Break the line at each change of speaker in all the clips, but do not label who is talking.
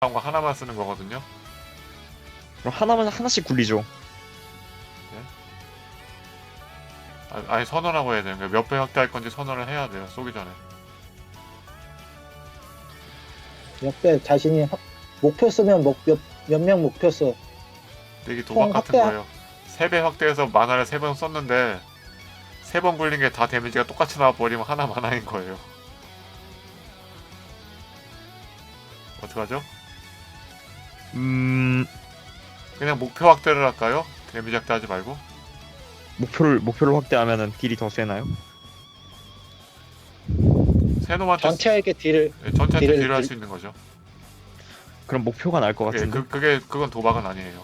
거 하나만 쓰는 거거든요.
그럼 하나만 하나씩 굴리죠.
아니 선언하고 해야 돼요. 그러니까 몇 배 확대할 건지 선언을 해야 돼요. 쏘기 전에.
몇 배 자신이 목표 쓰면 몇 명 목표 써.
근데 이게 도박 같은 거예요. 3배 확대해서 만화를 3번 썼는데 3번 굴린 게 다 데미지가 똑같이 나와버리면 하나 만화인 거예요. 어떡하죠? 그냥 목표 확대를 할까요? 데미지 확대하지 말고?
목표를 확대하면은 딜이 더 세나요?
세놈한테
전체에게 딜을
전체한테
딜을
딜을 할 수 있는 거죠.
그럼 목표가 나을 것
예,
같은데.
그건 도박은 아니에요.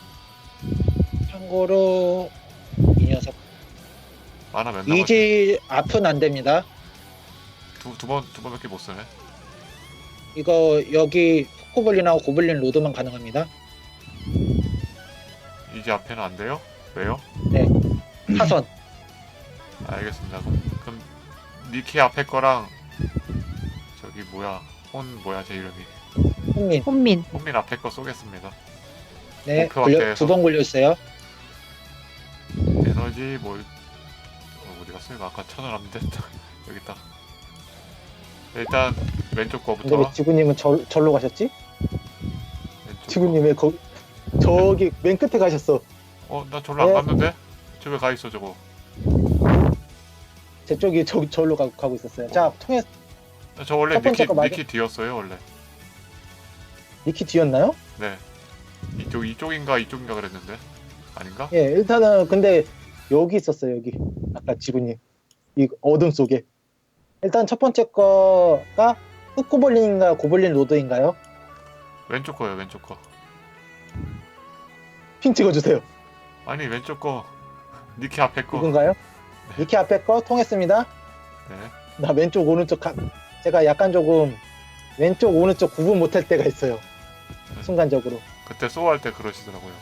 참고로 이 녀석
만화 몇 남았지?
이지 앞은 안 됩니다.
두 번밖에 못 쓰네.
이거 여기 코블린하고 고블린 로드만 가능합니다.
이제 앞에는 안 돼요? 왜요?
타선
알겠습니다. 그럼 니키 앞에 거랑 저기 뭐야 뭐야 제 이름이
혼민
혼민 앞에 거 쏘겠습니다.
네
목표 확대해서.
2번 굴려주세요.
에너지 어디 갔어? 이거 아까 찾아놨는데 여기 있다. 일단 왼쪽
근데 왜
거부터.
지구님은 절로 가셨지?
왼쪽
지구님 왜 저기 맨 끝에 가셨어?
나 절로 안
네.
갔는데? 저 왜 가 있어 저거?
제 쪽이 절로 가고 있었어요. 자 통해
저 원래
첫 번째 거 맞아?
니키 뒤였어요 원래.
니키 뒤였나요?
네. 이쪽인가 그랬는데 아닌가?
예 일단은 근데 여기 있었어요. 여기 아까 지구님 이 어둠 속에 일단 첫 번째 거가 흑고블린인가 고블린 로드인가요?
왼쪽 거요 왼쪽 거.
핀 찍어주세요.
아니 왼쪽 거 니키 앞에 거.
이건가요? 니키 앞에 거 통했습니다.
네.
나 왼쪽 오른쪽 제가 약간 조금 왼쪽 오른쪽 구분 못할 때가 있어요. 순간적으로
그때 소할 때 그러시더라고요.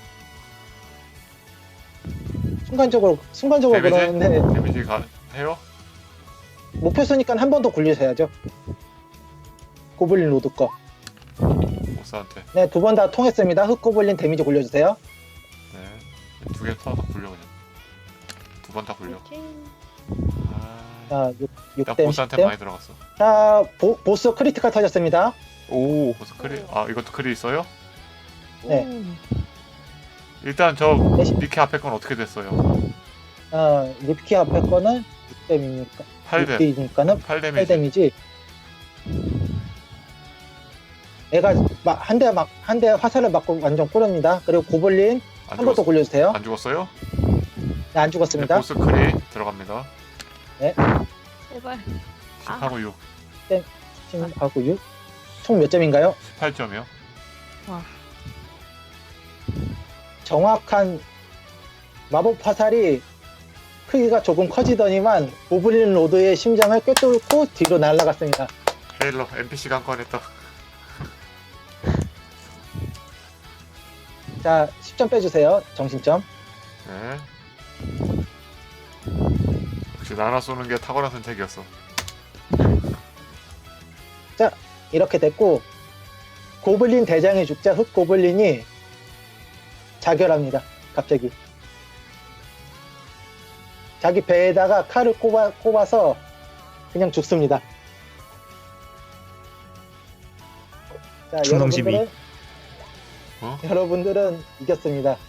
순간적으로
데미지?
그러는데
데미지 해요?
목표 쓰니까 한 번 더 굴리셔야죠. 고블린 로드 거.
보스한테.
네, 두 번 다 통했습니다. 흑고블린 데미지 굴려주세요.
네. 두 개 다 굴려 그냥. 두 번 다 굴려.
자,
나
6댐,
보스한테
10댐.
많이 들어갔어.
자, 보스 크리티컬 터졌습니다.
오.
보스 이것도 크리 있어요?
네.
일단 저
네.
니키 앞에 건 어떻게 됐어요?
리피키 앞에 거는 6댐이니까
8댐.
6댐이니까는
8데미지.
8데미지. 얘가 한 대 화살을 맞고 완전 꼬릅니다. 그리고 고블린 한 번 더 굴려주세요.
안 죽었어요?
네, 안
네,
죽었습니다.
보스 크리 들어갑니다.
제발.
10하고 6.
10하고 6. 총 몇 점인가요?
18점이요.
정확한 마법 화살이 크기가 조금 커지더니만 고블린 로드의 심장을 꿰뚫고 뒤로 날아갔습니다.
헤일러 NPC가 한 건 했다.
자, 10점 빼주세요. 정신점.
네. 역시 나나 쏘는 게 탁월한 선택이었어.
이렇게 됐고 고블린 대장의 죽자 흑고블린이 자결합니다. 갑자기 자기 배에다가 칼을 꼽아서 그냥 죽습니다. 자,
충성심이.
여러분들은 이겼습니다.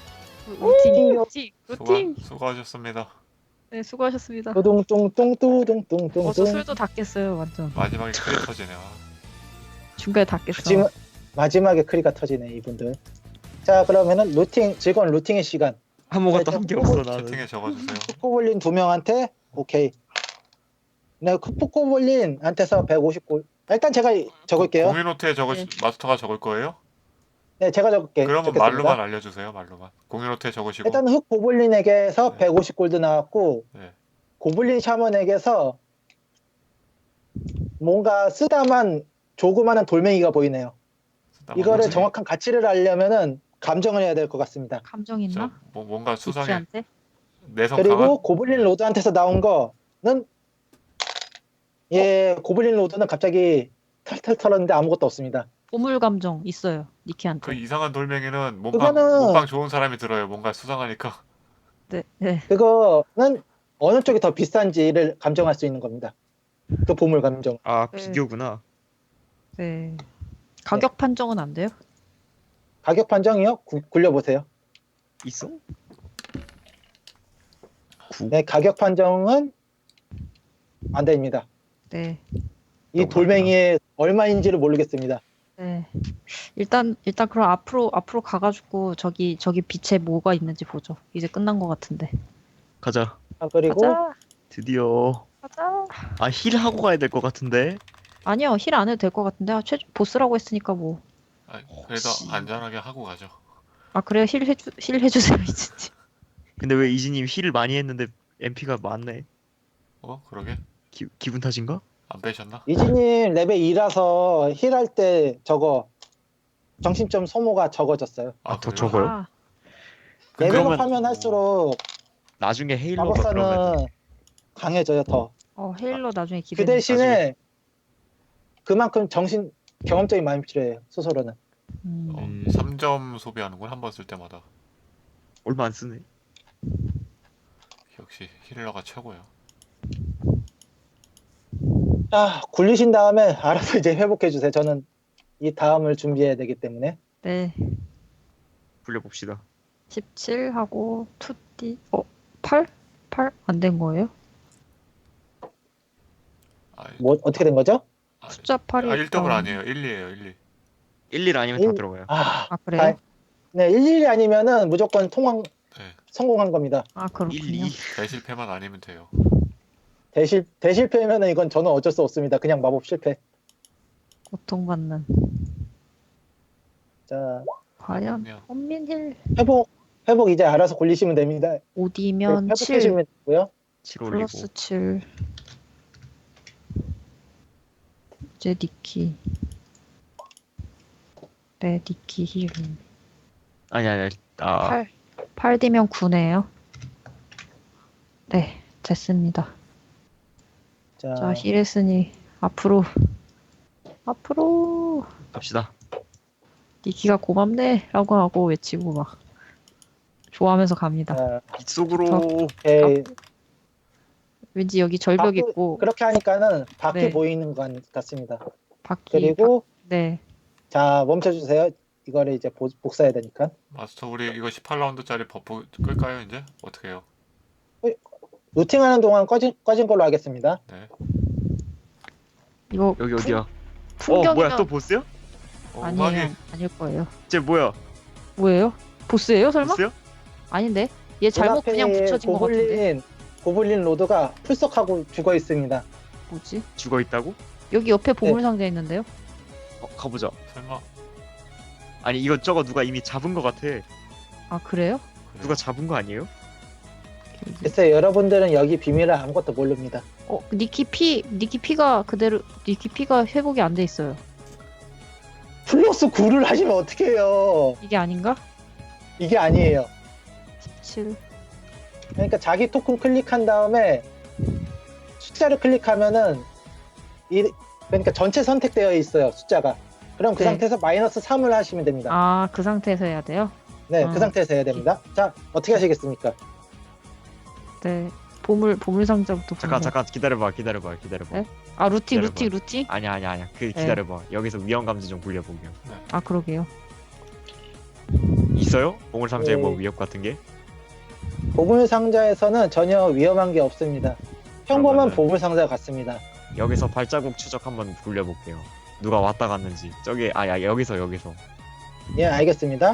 루팅.
수고하셨습니다.
네, 수고하셨습니다.
뚱뚱뚱뚱뚱뚱뚱.
저 술도 다 깼어요, 완전.
마지막에 크리 터지네.
중간에 다 깼어.
마지막에 크리가 터지네 이분들. 자, 그러면은 즐거운 루팅의 시간.
아무것도 한 게 없어 나는.
채팅에 적어주세요.
코볼린 2명한테 오케이. 네, 코볼린한테서 150골. 일단 제가 적을게요.
공유노트에
네.
마스터가 적을 거예요?
네, 제가 적을게요.
그러면
적겠습니다.
말로만 알려주세요. 말로만. 공유노트에 적으시고.
일단 흑 고블린에게서
네.
150골드 나왔고
네.
고블린 샤먼에게서 뭔가 쓰다만 조그마한 돌멩이가 보이네요. 이거를
뭐지?
정확한 가치를 알려면은 감정을 해야 될 것 같습니다.
감정 있나?
뭔가 수상해.
지키한테?
내성
그리고
강한.
고블린 로드한테서 나온 거는 고블린 로드는 갑자기 탈탈 털었는데 아무것도 없습니다.
보물 감정 있어요.
그
니키한테.
이상한 돌멩이는
그거는-
몸빵 좋은 사람이 들어요. 뭔가 수상하니까.
네, 네.
그거는 어느 쪽이 더 비싼지를 감정할 수 있는 겁니다. 그 보물 감정.
아
네.
비교구나.
네. 가격 판정은 안 돼요?
가격 판정이요? 굴려보세요.
있어? 구.
네, 가격 판정은 안 됩니다.
네.
이 돌멩이의 얼마인지를 모르겠습니다.
네. 일단 그럼 앞으로 가가지고 저기 빛에 뭐가 있는지 보죠. 이제 끝난 것 같은데.
가자.
그리고
가자.
드디어.
가자.
아 힐 하고 가야 될 것 같은데.
아니요, 힐 안 해도 될 것 같은데. 최종 보스라고 했으니까 뭐.
아, 그래도
혹시-
안전하게 하고 가죠.
아 그래요? 힐 해주세요 이진님.
근데 왜 이지님 힐을 많이 했는데 MP가 많네.
그러게?
기분 탓인가?
안 빼셨나?
이지님 레벨 2라서 힐할 때 저거 정신점 소모가 적어졌어요.
아, 더
그래요?
적어요?
아,
근데
레벨업
그러면-
하면 할수록
나중에 헤일로가 그러면
마법사는 강해져요 더.
헤일러 나중에
그
기대돼.
대신에 그만큼 경험적인 마음이 필요해요. 소설로는.
3점 소비하는군 한 번 쓸 때마다.
얼마 안 쓰네.
역시 힐러가 최고야.
자, 굴리신 다음에 알아서 이제 회복해 주세요. 저는 이 다음을 준비해야 되기 때문에.
네.
굴려봅시다.
17하고 2D 8? 8 안 된 거예요?
아,
뭐 어떻게 된 거죠?
숫자 8이
1등은 아니에요. 1, 2예요. 1, 2.
1, 아니면 다
일-
들어가요.
아,
그래요?
네, 11이 아니면은 무조건
네.
성공한 겁니다.
아
1,
그렇군요.
2.
대실패만 아니면 돼요.
대실패면은 이건 저는 어쩔 수 없습니다. 그냥 마법 실패.
고통받는.
자,
과연
그러면
헌민힐
회복 이제 알아서 굴리시면 됩니다.
5D면 7
회복해주면 되고요.
7 올리고.
플러스 7. 이제 니키. 네, 니키 힐.
아니. 아
8D면 9네요. 네, 됐습니다.
자,
자, 힐했으니 앞으로
갑시다.
니키가 고맙네 라고 하고 외치고 막 좋아하면서 갑니다.
자,
빗속으로.
오케이.
왠지 여기 절벽
밖에-
있고
그렇게 하니까는 밖에
네.
보이는 것 같습니다.
바퀴
그리고
네.
자, 멈춰주세요. 이거를 이제 복사해야 되니까.
마스터 우리 이거 18라운드짜리 버프 끌까요 이제? 어떻게 해요?
루팅하는 동안 꺼진 걸로 하겠습니다.
네.
이거
여기 어디야?
풍경이면
뭐야 또 보스야?
아니에요.
음악이
아닐 거예요.
쟤 뭐야?
뭐예요? 보스예요, 설마?
보스야?
아닌데. 얘 잘못 그냥
눈앞에
붙여진 것 같은데.
고블린 로드가 풀썩하고 죽어 있습니다.
뭐지?
죽어 있다고?
여기 옆에 보물
네.
상자 있는데요?
가보자.
설마
아니 이것저것 누가 이미 잡은 것 같아.
아, 그래요?
그래.
누가 잡은 거 아니에요?
글쎄 여러분들은 여기 비밀을 아무것도 모릅니다.
니키 피가 그대로 니키 피가 회복이 안 돼 있어요.
플러스 9를 하시면 어떡해요.
이게 아닌가?
이게 아니에요.
17.
그러니까 자기 토큰 클릭한 다음에 숫자를 클릭하면은 그러니까 전체 선택되어 있어요. 숫자가. 그럼 그
네.
상태에서 마이너스 3을 하시면 됩니다.
아, 그 상태에서 해야 돼요?
네,
아.
그 상태에서 해야 됩니다. 자, 어떻게 하시겠습니까?
네. 보물 상자부터
잠깐
보세요.
기다려봐.
네? 아, 루티.
아니야. 기다려봐. 여기서 위험 감지 좀 굴려보게.
아, 그러게요.
있어요? 보물 상자에
네.
뭐 위협 같은 게?
보물 상자에서는 전혀 위험한 게 없습니다. 평범한
그러면은-
보물 상자 같습니다.
여기서 발자국 추적 한번 굴려볼게요. 누가 왔다 갔는지. 저기 여기서.
예, 알겠습니다.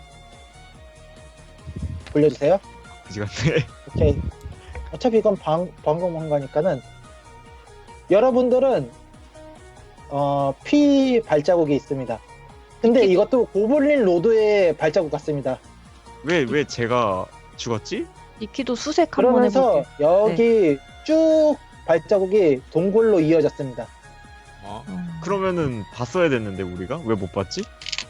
돌려주세요.
그지 같네.
오케이. 어차피 이건 방금 한 거니까는 여러분들은 피 발자국이 있습니다. 근데 이것도 고블린 로드의 발자국 같습니다.
왜 제가 죽었지?
니키도 수색 한번
그러면서
해볼게요.
여기 쭉 발자국이 동굴로 이어졌습니다.
그러면은 봤어야 됐는데 우리가 왜 못 봤지?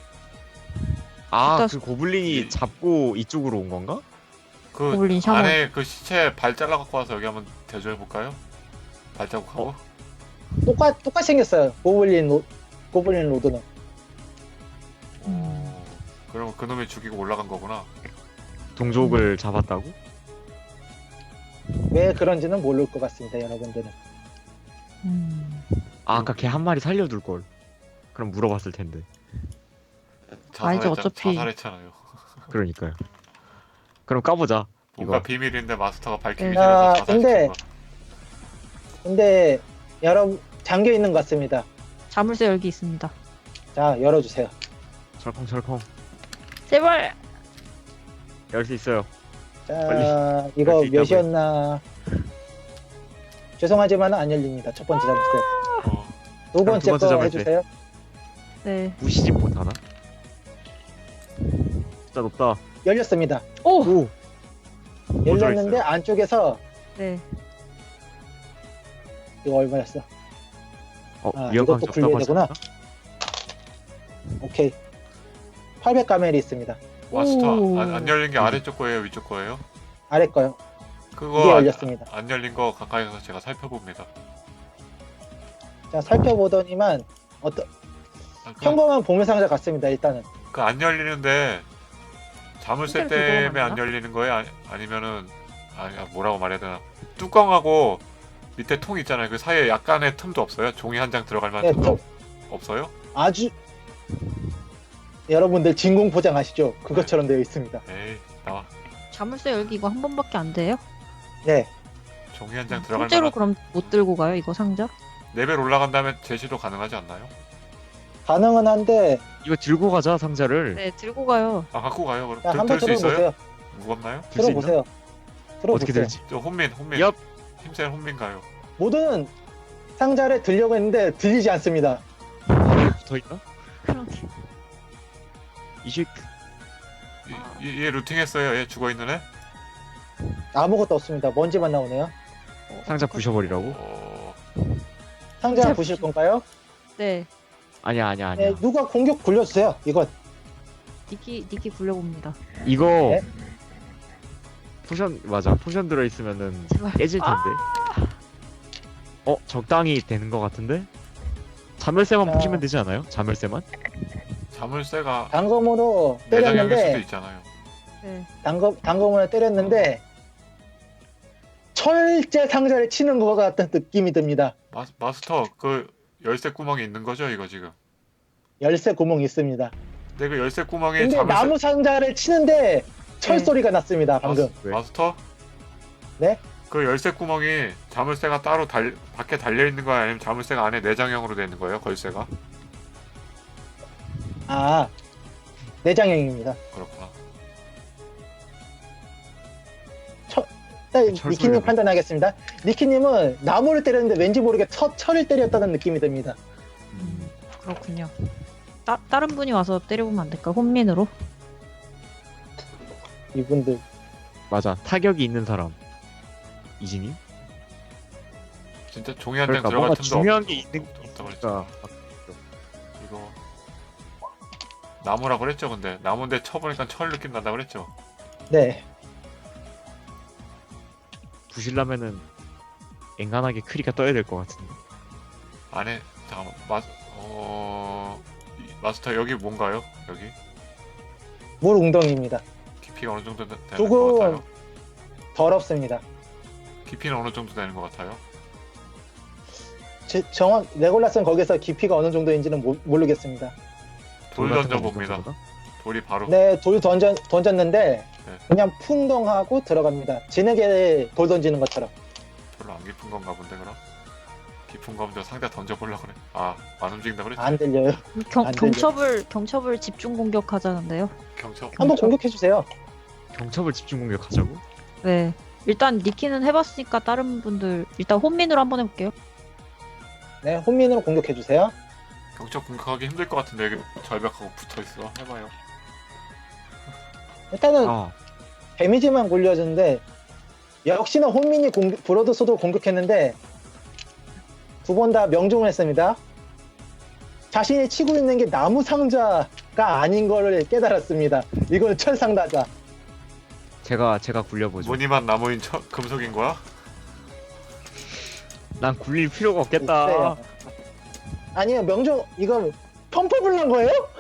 아,
일단-
그 고블린이 잡고 이쪽으로 온 건가?
그
고블린 샤워.
안에 그 시체 발 잘라 갖고 와서 여기 한번 대조해 볼까요? 발자국하고.
똑같이 생겼어요. 고블린 로드는.
그러면 그놈이 죽이고 올라간 거구나.
동족을 잡았다고?
왜 그런지는 모를 것 같습니다, 여러분들은.
아, 아까 걔 한 마리 살려둘 걸. 그럼 물어봤을 텐데.
아니죠, 어차피.
자살했잖아요.
그러니까요. 그럼 까보자.
뭔가
이거.
비밀인데 마스터가 밝히기
네.
싫어서
아,
자살시킨
근데-
거.
근데 여러분 잠겨 있는 것 같습니다.
자물쇠 열기 있습니다.
자, 열어주세요.
철컹철컹.
제발.
열 수 있어요.
자,
빨리
이거
열수 있다고요.
몇이었나? 죄송하지만 안 열립니다. 첫 번째 자물쇠.
어,
두 번째
두 번째
거
자물쇠.
해주세요.
네.
무시지 못하나? 진짜 높다.
열렸습니다.
오.
오!
열렸는데 안쪽에서
네.
이거 얼마였어? 아,
위험한
이것도 굴려야 되구나. 오케이. 800 가멜이 있습니다.
마스터
오.
안 열린 게 아래쪽 거예요, 위쪽 거예요?
아래 거요.
그거
이게 열렸습니다.
안 열린 거 가까이 가서 제가 살펴봅니다.
자, 살펴보더니만 평범한 보물 상자 같습니다. 일단은
그안 열리는데 자물쇠
실제로 그거만
때문에 안
맞나?
열리는 거예요? 아니면은 뭐라고 말해야 되나? 뚜껑하고 밑에 통 있잖아요. 그 사이에 약간의 틈도 없어요? 종이 한 장 들어갈 만한
네,
틈도 없어요?
아주 여러분들 진공 포장 아시죠? 그것처럼 되어 있습니다.
에이 나와.
자물쇠 열기 이거 한 번밖에 안 돼요?
네,
종이 한 장 들어갈
실제로
만한
그럼 못 들고 가요 이거 상자?
레벨 올라간 다음에 제시도 가능하지 않나요?
가능은 한데
이거 들고 가자, 상자를.
네 들고 가요.
아 갖고 가요. 그럼
자, 한번
들 수 있어요?
들어보세요.
무겁나요?
들수 있나?
들어보세요.
어떻게
들어보세요.
들지?
저 혼민
얍!
힘센 혼민 가요.
모든 상자를 들려고 했는데 들리지 않습니다.
바닥에 붙어있나?
그러게.
이식.
얘 루팅했어요. 얘 죽어있는 애?
아무것도 없습니다. 먼지만 나오네요.
상자 부셔버리라고?
상자
상자
부실
부시-
건가요?
네.
아니야.
네, 누가 공격 굴려주세요. 이건
니키 굴려봅니다.
이거
네.
포션 맞아. 포션 들어있으면은
제발.
깨질 텐데. 적당히 되는 것 같은데? 자멸쇠만
아.
부시면 되지 않아요? 자멸쇠만?
자물쇠가
단검으로
내장형일 수도
때렸는데
있잖아요.
네.
단검으로 때렸는데 철제 상자를 치는 것 같은 느낌이 듭니다.
마스터 그 열쇠 구멍이 있는 거죠 이거 지금?
열쇠 구멍이 있습니다.
근데 그 열쇠 구멍에
근데
자물쇠
나무 상자를 치는데 철
네.
소리가 났습니다. 방금.
왜?
마스터?
네?
그 열쇠 구멍이 자물쇠가 따로 밖에 달려 있는 거야 아니면 자물쇠가 안에 내장형으로 되어 있는 거예요 걸쇠가?
아, 내장형입니다.
그렇구나.
일단
철
니키님
소리가
판단하겠습니다. 니키님은 나무를 때렸는데 왠지 모르게 철을 때렸다는 느낌이 듭니다.
그렇군요. 다른 분이 와서 때려보면 안 될까? 혼민으로?
이분들
맞아. 타격이 있는 사람. 이진이?
진짜 종이 한 장
그러니까
들어갈
뭔가
틈도
중요한 게 있는
없다고 그랬죠.
거니까.
이거 나무라고 그랬죠 근데 나무인데 쳐보니까 철 느낌 난다 그랬죠.
네,
부실라면은 앵간하게 크리가 떠야 될 것 같은데.
안에 잠깐만 마스터 여기 뭔가요? 여기
물 웅덩이입니다.
깊이가 어느 정도 되는 것
조금
같아요?
더럽습니다.
깊이는 어느 정도 되는 것 같아요?
정확 레골라스는 거기서 깊이가 어느 정도인지는 모르겠습니다.
돌
같은 거
던져봅니다.
먹는 거다?
돌이 바로
네, 돌 던졌는데
네.
그냥 풍덩하고 들어갑니다. 진흙에 돌 던지는 것처럼.
별로 안 깊은 건가 본데 그럼? 깊은 거 먼저 상자 던져보려고 그래. 안 움직인다 그랬지?
안 들려요. 안 들려.
경첩을 집중 공격하자는데요.
경첩
한번 공격해 주세요.
경첩을 집중 공격하자고?
네. 일단 니키는 해봤으니까 다른 분들 일단 혼민으로 한번 해볼게요.
네, 혼민으로 공격해 주세요.
경첩 공격하기 힘들 것 같은데 여기 절벽하고 붙어있어. 해봐요.
일단은
아,
데미지만 굴려주는데 역시나 혼민이 브로드소드 공격했는데 두 번 다 명중을 했습니다. 자신이 치고 있는 게 나무 상자가 아닌 거를 깨달았습니다. 이거는 철 상자다.
제가 굴려보죠.
무늬만 나무인 금속인 거야?
난 굴릴 필요가 없겠다.
없어요. 아니요, 명중 이건 펌프블 난 거예요?